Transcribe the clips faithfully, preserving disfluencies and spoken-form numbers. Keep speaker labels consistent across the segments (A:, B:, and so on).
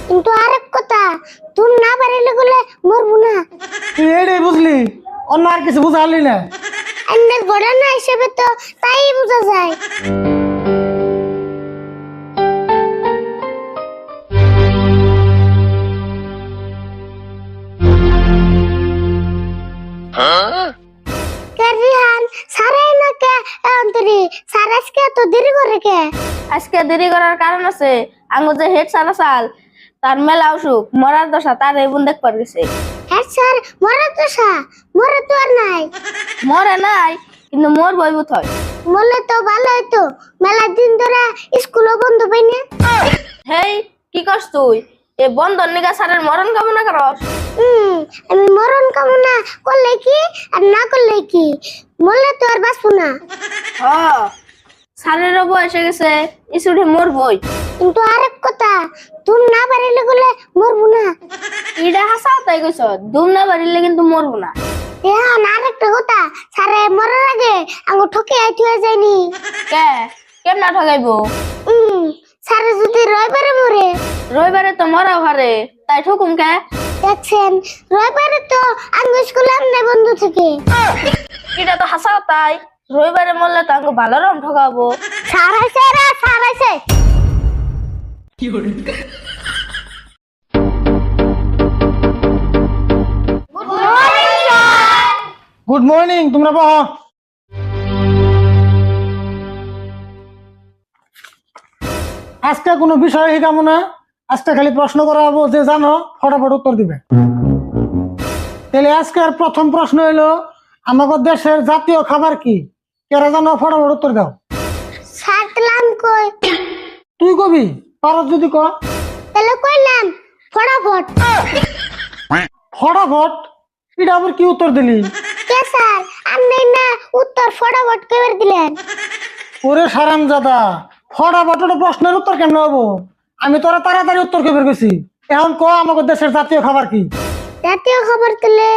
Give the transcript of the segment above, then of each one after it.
A: কিন্তু আরেক কথা, তুমি না পারিলে গেলে মরবো না।
B: তুই এটাই বুঝলি, অন্য আর কিছু বুঝালি না।
A: এমনি ঘটনা হিসেবে তো তাই বোঝা যায়। রিহান সারাই না কে অন্তরি সার আজকে এত দেরি করে কে?
C: আজকে দেরি করার কারণ আছে, আঙ্গু যে হেড সারা সাল তার মেলা অসুখ মরার দশা তার এই বোন দেখবার গেছে।
A: হ্যাঁ স্যার, মরা তো সা মরা তো আর নাই।
C: মরে নাই কিন্তু মোর বইবুত হয়।
A: মরলে তো ভালো হইতো, মেলা দিন ধরে স্কুলও বন্ধ পাই না।
C: হেই কি করছ তুই? এ বন্ধন নিগা সারের মরণ কামনা করস?
A: হুম, আমি মরণ কামনা করলে কি আর না করলে কি, মরলে তো আর বাঁচবো না।
C: হ সারেরও বয়স হয়ে গেছে, ইসুড়ে মোর বই।
A: কিন্তু আরেক কথা, তুমি না পারিলে গেলে মরবো না।
C: ইডা হাসাও তাই কইছ, দুম না বাড়িলে কিন্তু মরবো না।
A: এখন আরেকটা কথা, সারে মরার আগে আঙ্গু ঠকে আইতে হয়ে যায়নি।
C: কে কেমনা ঠগাইবো?
A: হুম, সারে যদি রবিবারে মরে।
C: রবিবারে তো মরা হারে, তাই ঠকুম কে?
A: দেখছেন, রবিবারে তো আঙ্গু স্কুলে আমনে বন্ধ থেকে।
C: এটা তো হাসাও তাই, রবিবারে মরলে তো আঙ্গু ভালো রকম ঠকাবো।
A: সার হয়েছে রা সার হয়েছে।
B: গুড মর্নিং, তোমরা বহ। আজকে কোনো বিষয় শিখাবো না, আজকে খালি প্রশ্ন করা হবো, যে জানো ফটাফট উত্তর দিবে। তাহলে আজকের প্রথম প্রশ্ন হলো, আমাদের দেশের জাতীয় খাবার কি? কেরা জানো ফটাফট উত্তর দাও।
A: সারলাম কই?
B: তুই কবি পারত যদি ক।
A: তাহলে কইলাম ফটাফট।
B: ফটাফট এটা আবার কি উত্তর দিলি?
A: কে স্যার, আপনি না উত্তর ফটাফট কইবার দিলেন?
B: ওরে সারামজাদা, ফটাফট প্রশ্নের উত্তর কেন হবো? আমি তোরা তাড়াতাড়ি উত্তর কেবে গেছি। এখন ক আমাদের দেশের জাতীয় খাবার কি?
A: জাতীয় খবর তুলে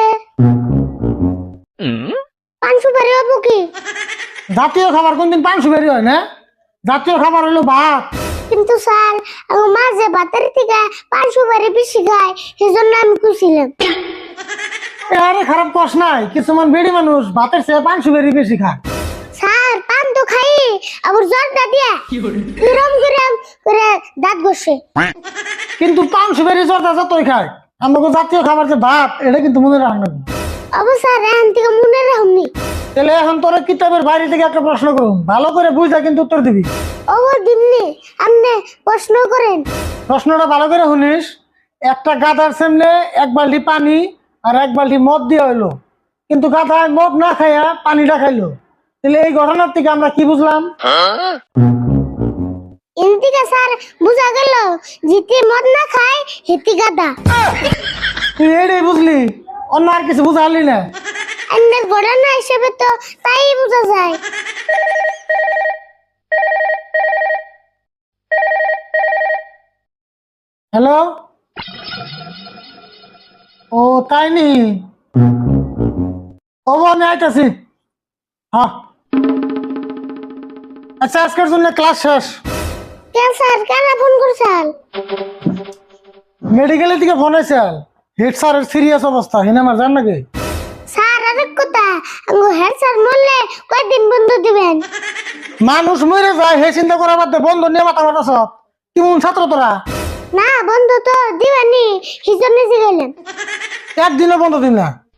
A: পান সুপারি হবো কি?
B: জাতীয় খাবার কোনদিন পান সুপারি হয় না? জাতীয় খাবার হলো ভাত।
A: কিন্তু স্যার, আমার মা যে ভাতের থেকে পান সুপারি বেশি খায়, সেজন্য আমি খুশিলাম।
B: আরে খারাপ কস নাই, কিছুমান বেড়ি মানুষ ভাতের চেয়ে পান সুপারি বেশি খায়।
A: স্যার, পান তো খাই, আবার জর্দা দিয়ে কিরম কিরম করে দাঁত ঘষে।
B: কিন্তু পান সুপারি জর্দা যতই খায়, আমাকে জাতীয় খাবার যে ভাত, এটা কিন্তু মনে রাখবে।
A: অবশ্য স্যার, এখন থেকে মনে রাখুনি।
B: তাহলে এখন তোরা কিতাবের বাইরে থেকে একটা প্রশ্ন করুন, ভালো করে বুঝা কিন্তু উত্তর দিবি।
A: অবর দিমনি, আপনি প্রশ্ন করেন।
B: প্রশ্নটা ভালো করে শুনিস। একটা গাধার সামনে এক বালতি পানি আর এক বালতি মদ দিয়ে হইলো, কিন্তু গাধায় মদ না খাইয়া পানিটা খাইলো। তাহলে এই ঘটনার থেকে আমরা কি বুঝলাম?
A: এদিকে স্যার বুঝা গেল, জিতে মদ না খায় হেতি গাদা।
B: তুই এটাই বুঝলি, অন্য আর কিছু বুঝালি না।
A: এমনি ঘটনা হিসেবে তো তাই বোঝা যায়।
B: হ্যালো, ও তাই নি? ও আমি আইতাছি। হ্যাঁ, আচ্ছা আজকের জন্য ক্লাস শেষ।
A: কেন স্যার, কেন ফোন করছেন?
B: মেডিকেলের দিকে ফোন হয়েছে, হেড স্যারের সিরিয়াস অবস্থা, হিনে আমার জান নাকি?
A: স্যার আরেক কথা, আঙ্গু হেড স্যার মরলে কয়দিন বন্ধ দিবেন?
B: মানুষ মরে যায়, হে চিন্তা করা বাদ দে, বন্ধ নিয়ে মাথা মাথা সব। কেমন ছাত্র তোরা?
A: না বন্ধ তো দিবেনি, হিজনে গেলেন।
B: একদিনও বন্ধ দিন না।